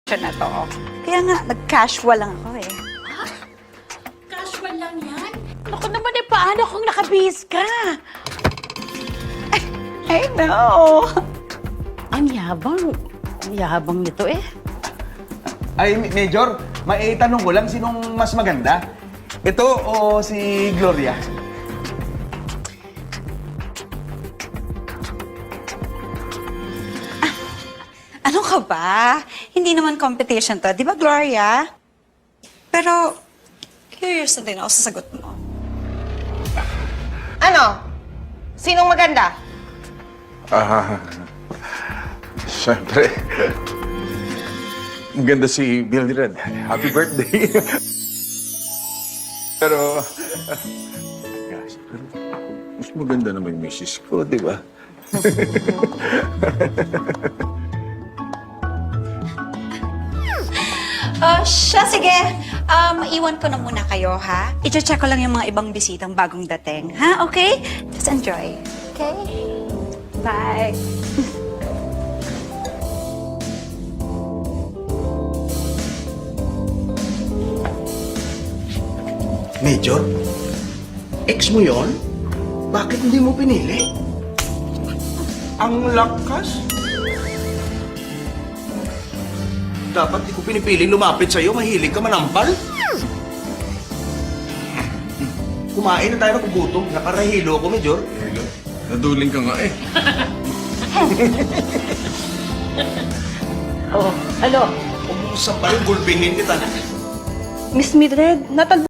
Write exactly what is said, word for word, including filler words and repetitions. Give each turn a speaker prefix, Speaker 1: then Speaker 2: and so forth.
Speaker 1: na to. Kaya nga, nag-casual lang ako eh.
Speaker 2: Casual lang yan? Naku naman eh, paano kung nakabihis ka?
Speaker 1: I know.
Speaker 2: Ang yabang. Ang yabang nito eh.
Speaker 3: Ay, Major, maitanong ko lang, sinong mas maganda? Ito o si Gloria?
Speaker 1: Ano ka ba? Hindi naman competition to. Di ba, Gloria? Pero, curious na din ako sa sagot mo.
Speaker 4: Ano? Sinong maganda?
Speaker 5: Ah, siyempre. Ang ganda si Mildred. Happy birthday. pero, gosh, pero mas maganda naman yung misis ko, di ba?
Speaker 1: Oh, siya, sige. Um, iwan ko na muna kayo, ha? I-check ko lang yung mga ibang bisitang bagong dating, ha? Okay? Just enjoy. Okay? Bye.
Speaker 3: Major? Ex mo yon? Bakit hindi mo pinili? Ang lakas. Dapat di ko pinipili lumapit sa'yo. Mahilig ka manampal. Kumain na tayo ng gutom. Nakarahilo ako, Major.
Speaker 5: Naduling ka nga eh.
Speaker 2: Oh, ano?
Speaker 3: Umuusap pa yung gulpingin kita.
Speaker 2: Miss Mildred, natal